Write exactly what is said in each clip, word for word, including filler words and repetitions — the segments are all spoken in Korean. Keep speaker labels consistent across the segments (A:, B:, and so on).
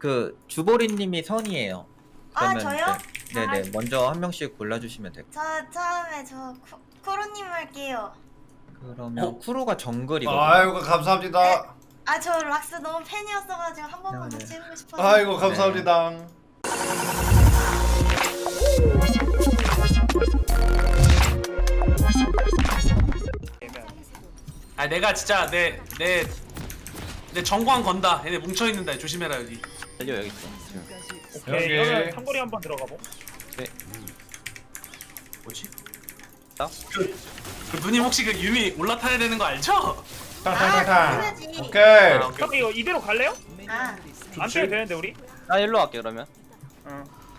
A: 그 주보리님이 선이에요.
B: 아,
A: 그러면
B: 저요?
A: 이제- 네네. 먼저 한 명씩 골라주시면 돼요.
B: 저 처음에 저 쿠, 쿠로님 할게요.
A: 그러면
C: 어?
A: 쿠로가 정글이거든요.
D: 아이고 감사합니다.
B: 아, 저 락스 너무 팬이었어가지고 한 번만
A: 네,
B: 같이
A: 네.
B: 해보고 싶어서.
D: 아이고 감사합니다.
C: 아 내가 진짜 내 내 내 정광 건다. 얘네 뭉쳐 있는다. 조심해라 여기.
E: 달려 여기 있어.
F: 오케이
D: 여기.
F: 그러면 상거리 한번 들어가보.
C: 뭐지?
E: 나?
C: 그, 그 누님 혹시 그 유미 올라타야 되는 거 알죠?
D: 탕탕탕탕.
B: 해야지.
D: 오케이.
C: 아, 오케이.
F: 형 이거 이대로 갈래요?
B: 아,
F: 안 빼도 되는데 우리?
E: 나 일로 갈게 그러면.
F: 응.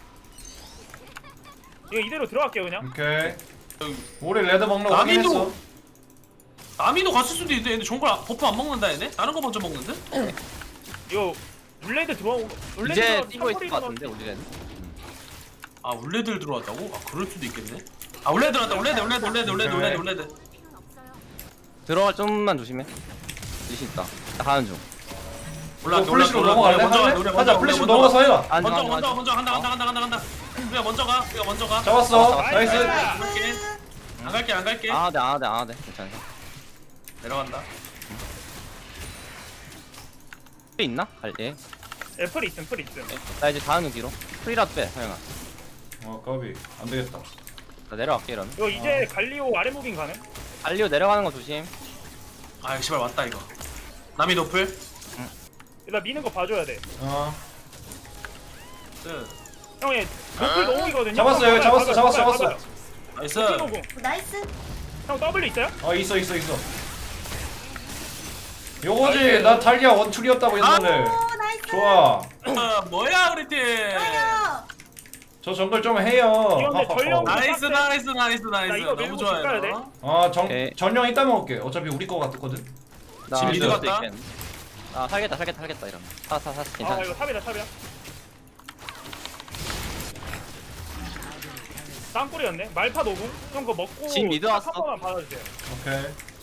F: 이거 이대로 들어갈게요 그냥.
D: 오케이.
C: 여기.
D: 우리 레드 먹는 거
C: 나민도-
D: 확인했어.
C: 아미도 갔을 수도 있는데 얘네 정글 아- 버프 안 먹는다 얘네? 다른 거 먼저 먹는데?
F: 이거 울레드 들어오고 울레드
E: 이제
F: 들어가면
E: 뛰고 있을
F: 상거리
E: 것 같은데 우리는.
C: 아 울레들 들어왔다고? 아 그럴 수도 있겠네. 아 울레드 들어왔다. 울레드 울레드 울레드 울레드 울레드 울레드.
E: 들어갈 좀만 조심해. 리신 있다. 나 가는 중.
C: 올라
D: 이거 플래시로 넘어갈래?
C: 먼저 가.
D: 할래?
C: 우리
D: 하자
C: 먼저
D: 플래시로
C: 먼저
D: 넘어가서 해라.
E: 안
C: 먼저
E: 안
C: 먼저
E: 안
C: 먼저 간다 간다 간다 간다 간다. 우리가 먼저 가. 우리가 먼저 가.
D: 잡았어.
F: 나이스.
D: 나이스.
C: 갈게. 안 갈게 안 갈게.
E: 아, 네, 아, 네, 아, 네. 괜찮아.
C: 내려간다.
E: 풀 있나? 갈 예.
F: 예, 풀 있음 풀 있음.
E: 나 이제 다음 뒤로. 풀이라도 빼, 서영아.
D: 어 까비 안 되겠다.
E: 나 내려갈게 이러면.
F: 이거 이제 갈리오 아래 무빙 가능?
E: 달리오 내려가는 거 조심.
C: 아 씨발 왔다 이거. 남이 노플.
F: 나 미는 거 봐줘야 돼.
D: 어.
C: 네.
F: 형이 노플 노공이거든요.
D: 잡았어요,
F: 형,
D: 잡았어,
F: 봐봐요,
D: 잡았어,
F: 봐봐요,
D: 잡았어.
F: 봐봐요.
C: 나이스.
F: 노플 노공.
B: 나이스.
F: 형 W 있어요?
D: 어 있어 있어 있어. 요거지 나 탈리아 원툴이었다고 옛날에.
B: 오, 나이스.
D: 좋아.
C: 아, 뭐야 우리 팀.
B: 좋아요.
D: 저 정글 좀 해요.
F: 이거 근데 전령-
C: 나이스 나이스 나이스 나이스.
F: 나 이거
C: 너무
F: 밀고 집 가야 돼.
C: 좋아요.
D: 아정
E: 오케이.
D: 전령 이따 먹을게. 어차피 우리 거 같거든.
E: 나
D: 지금
E: 미드
D: 미드
E: 수도
C: 갔다.
E: 있겠네. 아, 살겠다, 살겠다, 살겠다 이러면. 사, 사, 사,
F: 아
E: 괜찮아.
F: 이거 탑이다 탑이다. 땅굴이었네. 말파 노공. 형 그거 먹고
E: 진 미드 왔어.
F: 한 번만 받아주세요.
D: 오케이.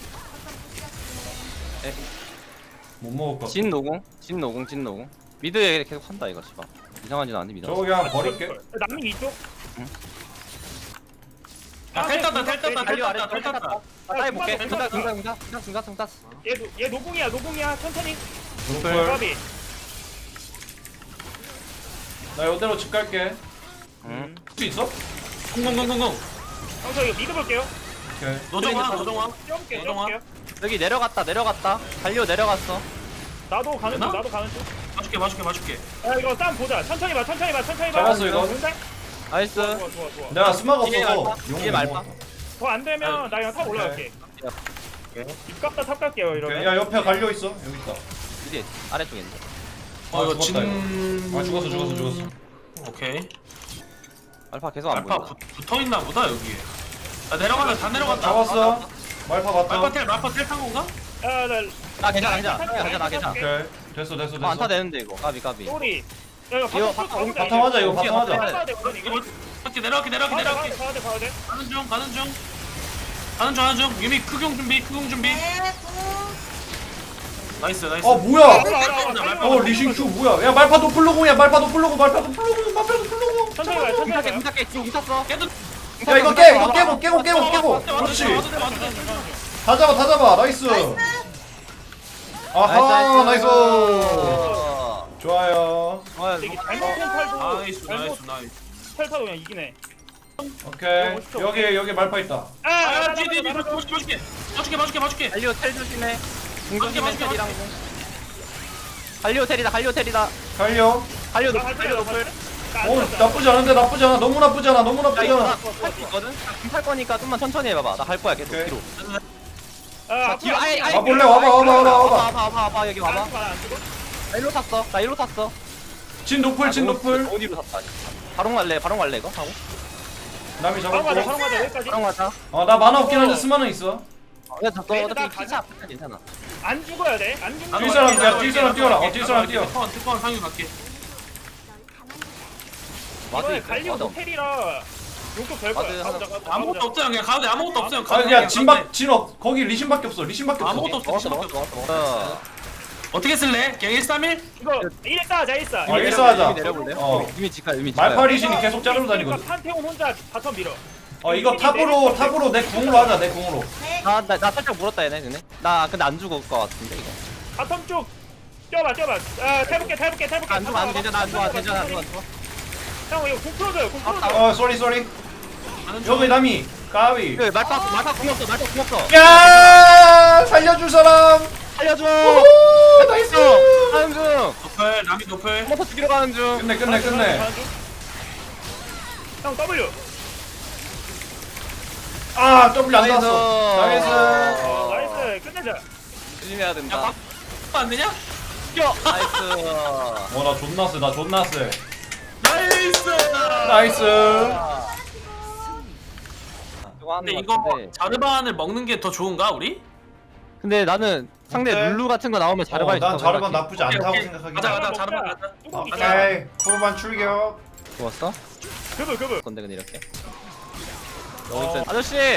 E: 에.
D: 못 먹을 거.
E: 진 노공, 진 노공, 진 노공. 미드에 계속 한다 이거 씨발. 이상한 짓 아닌데 미드.
D: 저 그냥 버릴게.
F: 남민 이쪽.
C: 야, 텔 땄다 텔 땄다 텔
E: 달리오 아래
C: 땄다 텔 땄다.
E: 나 따위 볼게.
F: 텔
E: 중다,
F: 땄다.
E: 중다, 중다, 중다, 중다, 중다.
F: 얘, 노- 얘 노공이야 노공이야 천천히.
D: 노플.
F: 까비.
D: 나 이대로 집 갈게.
E: 응.
D: 수 있어?
C: 공공공공공.
F: 형 저 이거 미드 볼게요.
D: 오케이.
C: 노정아 노정아.
F: 뛰어볼게요
C: 노정아.
F: 뛰어볼게요.
E: 여기 내려갔다, 내려갔다. 달리오 내려갔어.
F: 나도 가는 중
C: 되나?
F: 나도 가는 중.
C: 봐줄게 봐줄게 봐줄게.
F: 야 이거 싸움 보자. 천천히 봐 천천히 봐 천천히 봐.
D: 잡았어, 이거.
F: 좋은데?
E: 나이스.
F: 좋아 좋아 좋아 좋아.
D: 내가 스마가
E: 이게
D: 없어서
E: 말파?
D: 용을
E: 이게
D: 못
E: 말파?
D: 먹었다.
F: 더 안 되면 나 그냥 탑 올라갈게. 입 깎다 탑 갈게요
D: 오케이.
F: 이러면.
D: 야 옆에 갈려 있어. 여기 있다.
E: 미드 아래쪽에 있네.
C: 어 이거
D: 죽었다,
C: 진.
D: 아 죽었어 죽었어 죽었어.
C: 오케이.
E: 알파 계속 안
C: 말파
E: 보인다.
C: 붙- 붙어 있나 보다 여기에. 아 내려간다 다 내려갔다.
D: 잡았어. 말파
C: 말파
D: 봤다.
C: 텔 말파 텔탄 건가?
F: 야나
E: 아 괜찮아, 괜찮아. 괜찮아, 괜찮아.
D: 오케이. 됐어 됐어
E: 아, 안타
D: 됐어.
E: 되는데 이거. 까비, 까비.
F: 소리. 야 이거
E: 이거
F: 바텀
E: 바텀
F: 바텀
D: 바텀 하자 이거 바텀 하자.
F: 가야 돼 우선 이거.
C: 내려갈게 내려갈게 내려갈게
F: 가야 돼
C: 내려갈게.
F: 가야 돼 가야 돼.
C: 가는 중 가는 중. 가는 중 가는 중. 유미 크공 준비 크공 준비.
B: 네, 구.
C: 나이스 나이스.
D: 어 뭐야?
F: 알아, 알아, 알아, 알아.
D: 어 리신 큐 뭐야? 야 말파 도플로공이야 말파 도플로공 말파 도플로공 말파 도플로공.
F: 천천히 가요 천천히
E: 공탁해,
F: 가요.
E: 공탁해. 지금 붙었어.
C: 깨도.
D: 야 이거 깨 이거 깨고 깨고 깨고 깨고. 그렇지. 다 잡아 다 잡아 나이스. 아하 나이스.
E: 어.
D: 좋아요.
E: 어,
F: 이게 잘못된 탈도
C: 나이스
F: 잘못
C: 나이스 나이스.
F: 탈 타도 그냥 이기네.
D: 오케이 여기 여기 말파 있다.
F: 아,
C: 아 뒤에 뒤에 뒤에 봐줄게 봐줄게 봐줄게 봐줄게 봐줄게.
E: 달리오 텔 조심해.
C: 맞게,
E: 중간이면
C: 맞게,
E: 텔이랑. 갈리오 텔이다, 갈리오 텔이다.
D: 갈려.
E: 갈리오
F: 나
E: 높,
F: 갈
E: 갈리오
F: 거야,
E: 높을.
D: 어 나쁘지 않은데 나쁘지 않아 너무 나쁘지 않아 너무
E: 야 이거
D: 나쁘잖아.
E: 나할수 있거든? 나할 거니까 좀만 천천히 해봐봐. 나 갈 거야 계속
D: 오케이.
E: 뒤로.
F: 아,
E: 자, 뒤로 아예 아예.
D: 와볼래? 와봐, 와봐, 와봐, 와봐.
E: 와봐 와봐 와봐 여기 와봐.
F: 안 죽어?
E: 나 일로 탔어. 나 일로 탔어.
D: 진 노플 진 노플.
E: 어디로 탔다. 바로 갈래? 바로 갈래 이거 하고?
D: 남이
F: 바로 가자,
D: 잡았고.
F: 바로 가자, 여기까지.
E: 바로 가자.
D: 어 나 만화 없긴 한데 스마는 있어.
E: 야, 너
F: 레드 나
E: 어차피 피차 아프니까 괜찮아.
F: 안 죽어야 돼, 안 죽는
D: 뛸
F: 거야.
D: 사람, 야, 뛸 사람 뛰어라. 어, 뛸 사람 뛰어.
C: 특권 특권 상위 갈게.
E: 와드
F: 이번에
E: 있고,
F: 갈리오
E: 와드
F: 호텔이라 용도 될 거야.
E: 와드
F: 가보자,
E: 하나.
F: 가보자,
C: 아무것도
F: 가보자.
C: 없어요 그냥 가도 돼 아무것도 없어요.
D: 아 그냥 진박 진업 거기 리신밖에 없어 리신밖에 없어.
C: 아무것도 없어
E: 먹었어
C: 진밖에
E: 먹었어
C: 없어.
E: 먹었어 먹었어.
C: 어떻게 쓸래? 그냥 일 삼 일?
F: 이거 일사 하자 일사.
D: 어, 일사 하자.
E: 이미 내려볼래요?
D: 어.
E: 이미 직가 이미 직가.
D: 말파리신이 계속 자르고 다니거든.
F: 판테온 혼자 바텀 밀어.
D: 어 이거 탑으로 탑으로 내 궁으로 하자 내 궁으로.
B: 네.
E: 나나 나 살짝 물었다 얘네 얘네. 나 근데 안 죽을 것 같은데 이거.
F: 바텀 쪽 뛰어봐 뛰어봐. 아 탈볼게 탈볼게 탈볼게.
E: 안 죽어 안 괜찮아 안 좋아 괜찮아 안 좋아 안 좋아.
F: 형 이거 공 풀어줘요 공 풀어줘.
D: 어 쏘리 쏘리. 여기 남이 까위.
E: 그 말파 말파 궁 없어 말파 궁 없어.
D: 야 살려줄 사람.
E: 살려줘.
D: 오 나이스.
E: 가는 중.
C: 노플 남이 노플.
E: 한번더 죽이러 가는 중.
D: 끝내 끝내 끝내.
F: 형 W.
D: 아 W 안
E: 나이스.
D: 나왔어. 나이스.
F: 어, 나이스 끝내자.
E: 조심해야 된다.
C: 야, 박 안 되냐?
E: 뛰어. 나이스.
D: 어나 존나 쎄나 존나 쎄.
C: 나이스.
D: 나이스.
E: 이거 하는
C: 근데
E: 거
C: 이거
E: 같은데.
C: 자르반을 먹는 게 더 좋은가 우리?
E: 근데 나는 상대
D: 어때?
E: 룰루 같은 거 나오면 자르반이
D: 어, 난
E: 좋다고
D: 자르반
E: 생각해.
D: 나쁘지 않다고
C: 오케이,
D: 생각하긴
C: 가자
D: 해.
C: 가자 자르반 가자.
F: 뚜껑 있잖아.
D: 오케이 후반 출격.
E: 좋았어?
F: 그브 그브.
E: 건데 근데 이렇게. 너무 센. 아저씨.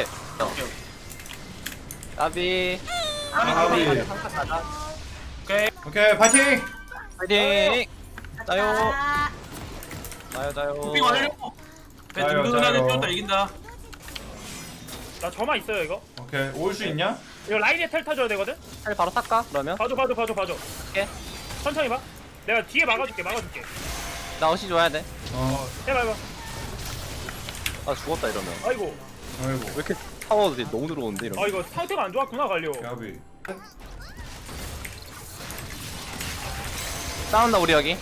E: 까비.
D: 아비.
C: 오케이.
D: 오케이 파이팅.
E: 파이팅. 자요.
B: 아,
E: 자요 자요.
C: 도핑 완료. 배
D: 자요,
C: 든든하게
D: 자요.
C: 뛰었다 이긴다.
F: 나 저만 있어요 이거.
D: 오케이 올 수 있냐?
F: 이거 라인에 텔 타줘야 되거든.
E: 살 바로 탈까? 그러면?
F: 봐줘 봐줘 봐줘 봐줘.
E: 오케이.
F: 천천히 봐. 내가 뒤에 막아줄게 막아줄게.
E: 나 어시 줘야 돼.
D: 어
F: 해봐 해봐.
E: 아 죽었다 이러면.
F: 아이고.
D: 아이고
E: 왜 이렇게 타워들이 너무 들어오는데 이러면.
F: 아 이거 상태가 안 좋았구나 갈려.
D: 야비.
E: 싸운다 우리 여기.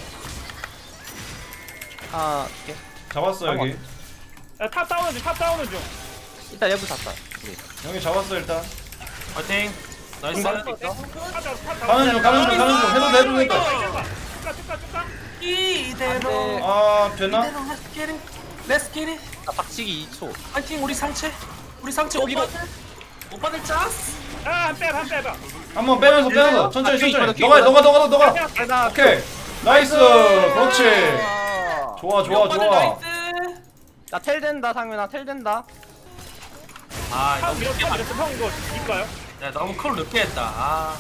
E: 아 오케이.
D: 잡았어 여기.
F: 야탑 싸우는 중탑 싸우는 중.
E: 일단 얘부 샀다. 우리.
D: 여기 잡았어 일단.
C: 파이팅. 나이스.
F: 탑 잡아 탑 잡아.
D: 가는 중 가는 중 가는 중 해도 돼 해도 된다.
F: 쭉가 쭉가 쭉가.
C: 이대로.
D: 아 되나?
C: 이대로 할게리. 렛츠 기릿.
E: 나 박치기 이 초.
C: 파이팅 우리 상체. 우리 상체 오빠들. 오빠들 짰어.
F: 아한빼한 빼봐.
D: 한번 빼면서 빼면서 천천히
E: 아, 퀴
D: 천천히.
E: 퀴
D: 너가 너가 너가 너가.
E: 아, 나
D: 오케이 나이스 그렇지.
E: 아.
D: 좋아 좋아
C: 오빠들
D: 좋아.
C: 나이스.
E: 나텔 된다 상윤아 텔 된다.
C: 아
F: 탑
C: 이거
F: 밀었어
C: 늦게 맞.
F: 밀었어 형 이거 이까요?
C: 야 너무 컬 늦게 했다. 아.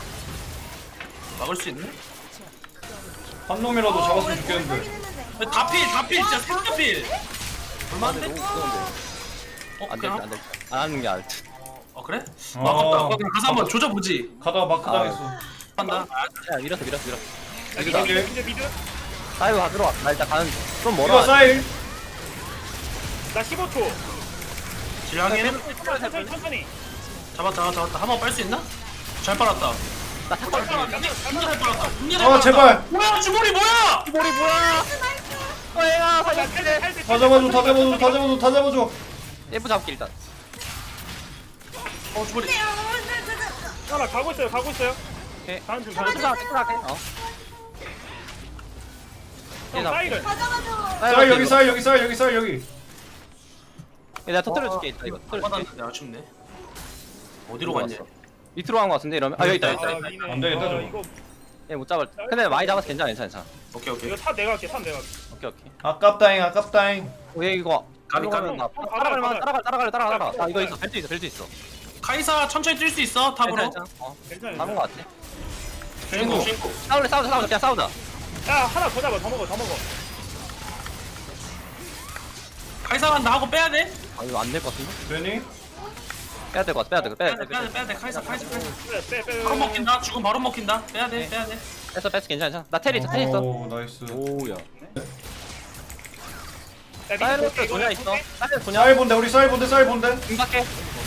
C: 막을 수 있네?
D: 한 놈이라도 잡았으면 좋겠는데.
B: 했는데.
C: 다필 다필 진짜 삼겹필. 얼마인데?
E: 너무 무서운데.
C: 어
E: 안
C: 그냥.
E: 될지 안 될지. 안 하는 게 알지.
C: 어 그래?
D: 어.
C: 어, 아깝다. 어, 그럼 가서 한번 조져보지.
D: 가다가 마크
E: 아.
D: 당했어.
C: 한다.
E: 야 밀었어 밀었어 밀었어.
F: 야,
D: 여기,
F: 미드
D: 여기.
F: 미드 미드 미드.
E: 사이로 가 들어와. 나 일단 가는 중. 좀
D: 이거
E: 멀어.
D: 사일.
F: 나 십오 초.
C: 질량이는
F: 천천히 천천히.
C: 잡았다 잡았다 잡았다. 한번 빨 수 있나? 잘 빨았다.
E: 나 탁발.
C: 진짜 잘 빨았다. 진짜 잘
D: 아
C: 빨았다.
D: 제발.
C: 뭐야 주머니 뭐야?
E: 머리 뭐야? 어 얘가
F: 나
E: 살려줄게.
F: 텔, 텔, 텔,
D: 다 잡아줘 다 잡아줘 다 잡아줘 다 잡아줘.
E: 예부 잡게 일단.
C: 어 주머니.
F: 형, 나 가고 있어요 가고 있어요.
E: 오케이.
F: 가는 중
E: 자,
F: 가는 중.
E: 자, 자, 자, 어.
F: 형 사이를.
B: 가져가줘.
D: 쌀 여기 쌀 여기 쌀 여기 쌀 여기.
E: 내가 터뜨려 줄게 일단 이거. 터뜨려 줄게.
C: 받았는데 아쉽네. 어디로 갔냐?
E: 밑으로 간 거 같은데 이러면. 아 여기 있다 여기 있다.
F: 아,
E: 여기 있다.
F: 미네.
D: 안 되겠다,
F: 아,
D: 저거.
F: 이거
E: 얘 못 잡을. 근데 많이 잡아서 괜찮아 괜찮아 괜찮아.
C: 오케이 오케이.
F: 이거 탑 내가 할게 탑 내가 할게.
E: 오케이 오케이.
D: 아깝다잉 아깝다잉.
E: 어, 얘 이거.
C: 가비, 가비.
E: 나 따라갈 만 따라갈 따라갈 따라갈 따라갈. 아 이거 있어 벨트 있어 벨트 있어.
C: 카이사 천천히 뛸 수 있어 탑으로.
E: 괜찮아. 어.
F: 괜찮아.
E: 잡은 거 같아.
C: 주인공 주인공.
E: 싸울래 싸우자 싸우자 그냥 싸우자.
F: 야 하나 더 잡아 더 먹어 더 먹어.
C: 카이사 간다 하고 빼야 돼.
E: 아 이거 안 될 것 같은데?
D: 되니?
E: 빼야 될 것 같아 빼야 될 것
C: 빼야
E: 같아
C: 돼
E: 빼야
C: 빼야
E: 돼.
C: 돼 빼야 돼. 카이사 카이사 카이사.
F: 빼 빼 빼.
C: 바로 먹힌다. 죽음 바로 먹힌다. 빼야 돼
E: 네.
C: 빼야 돼.
E: 뺐어 뺐어 괜찮아 괜찮아. 나 텔 있어 텔 있어.
D: 오 나이스.
E: 오야.
F: 야,
E: 사이러스
F: 밑에
E: 도냐 있어. 사이러스 도냐.
D: 쌀 본데 우리 쌀 본데 쌀 본데.
E: 임박해.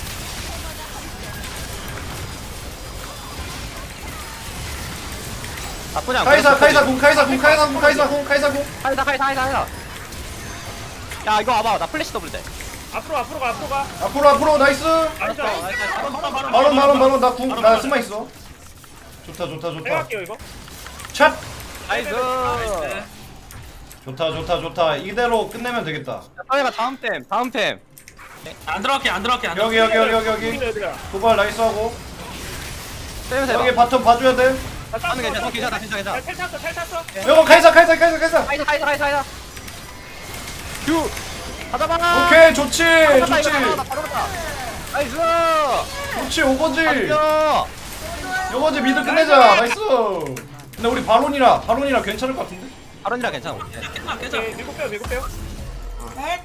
E: 나쁘지 않고.
D: 카이사 카이사 궁 카이사 궁 카이사 궁 카이사 궁 카이사 궁.
E: 카이사 카이사 카이사 카이사. 야 이거 와봐 나 플래시 더블 돼.
F: 앞으로 앞으로 가 앞으로 가.
D: 앞으로 앞으로 나이스.
F: 나이스 나이스.
C: 바로 바로 바로.
D: 바론 바론 바론 나궁나 스마 있어. 좋다 좋다
F: 내가
D: 좋다.
F: 할게요 이거.
D: 샷.
E: 나이스.
C: 나이스.
D: 좋다 좋다 좋다. 이대로 끝내면 되겠다.
E: 서해가 다음 템 다음 템.
C: 안 들어갈게 안 들어갈게 안
D: 여기
C: 들어갈게.
D: 여기 여기 여기 여기.
F: 얘들아.
D: 도발 나이스 하고.
E: 세면서
D: 여기
E: 해봐.
D: 바텀 봐줘야 돼.
E: 하는 게 괜찮아 괜찮아 괜찮아 괜찮아.
F: 야, 텔 탔어 텔 탔어.
D: 이거 카이사 카이사 카이사 카이사.
E: 카이사 카이사 카이사 카이사. 큐. 가자봐.
D: 오케이 좋지
E: 바로 갔다,
D: 좋지
E: 이거 바로 갔다, 바로 갔다. 나이스.
D: 좋지 오거지.
E: 가자.
D: 이거 이제 미드 끝내자. 나이스. 근데 우리 바론이라 바론이라 괜찮을 것 같은데?
E: 아론이라 괜찮아.
C: 깨자 깨자.
F: 오케이 밀고 빼요 밀고 빼요.
B: 네.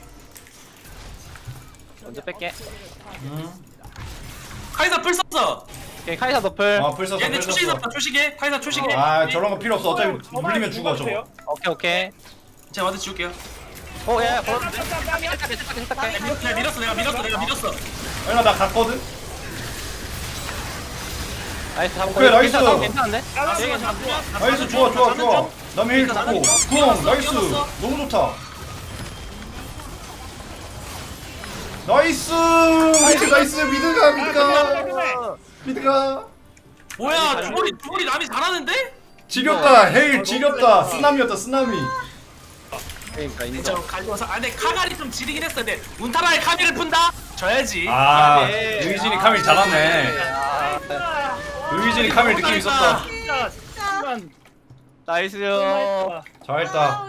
E: 먼저 뺄게.
D: 음.
C: 카이사 풀 썼어.
E: 오케이 카이사 너플.
D: 아 불 썼어
C: 얘네
D: 불
C: 초식이
D: 썼어.
C: 썼다 초식에. 카이사 초식에.
D: 아 저런 거 필요 없어. 어차피
F: 저만
D: 물리면 죽어 저거.
F: 죽어주세요.
E: 오케이 오케이.
C: 제가 와드 지울게요.
E: 오 야야 걸어.
F: 깜, 깜, 깜, 깜이야.
E: 살짝게 살짝게 살짝게.
C: 밀었어 내가 밀었어 내가 밀었어 내가 밀었어.
D: 아니나 나 갔거든.
E: 나이스 잡고.
D: 오케이, 나이스.
E: 괜찮아, 괜찮은데?
F: 아,
E: 되게
C: 아,
E: 괜찮아.
D: 나이스 좋아 좋아 좋아. 남의 힐 좋고. 구형 나이스. 너무 좋다. 나이스. 나이스 나이스 미드가 미드가 미드가.
C: 뭐야 주보리 주보리 남이 잘하는데?
D: 지렸다 헤일 지렸다 쓰나미였다 쓰나미.
E: 그러니까
C: 저
E: 인정.
C: 갈려서 아 근데 카갈이 좀 지리긴 했어. 근데 운타라의 카미를 푼다? 져야지.
D: 아
E: 예.
D: 의진이 카밀 잘하네.
F: 아,
D: 의진이 카밀 느낌 있었다.
F: 진짜
B: 진짜.
F: 순간
E: 나이스요.
F: 너무
D: 잘했다.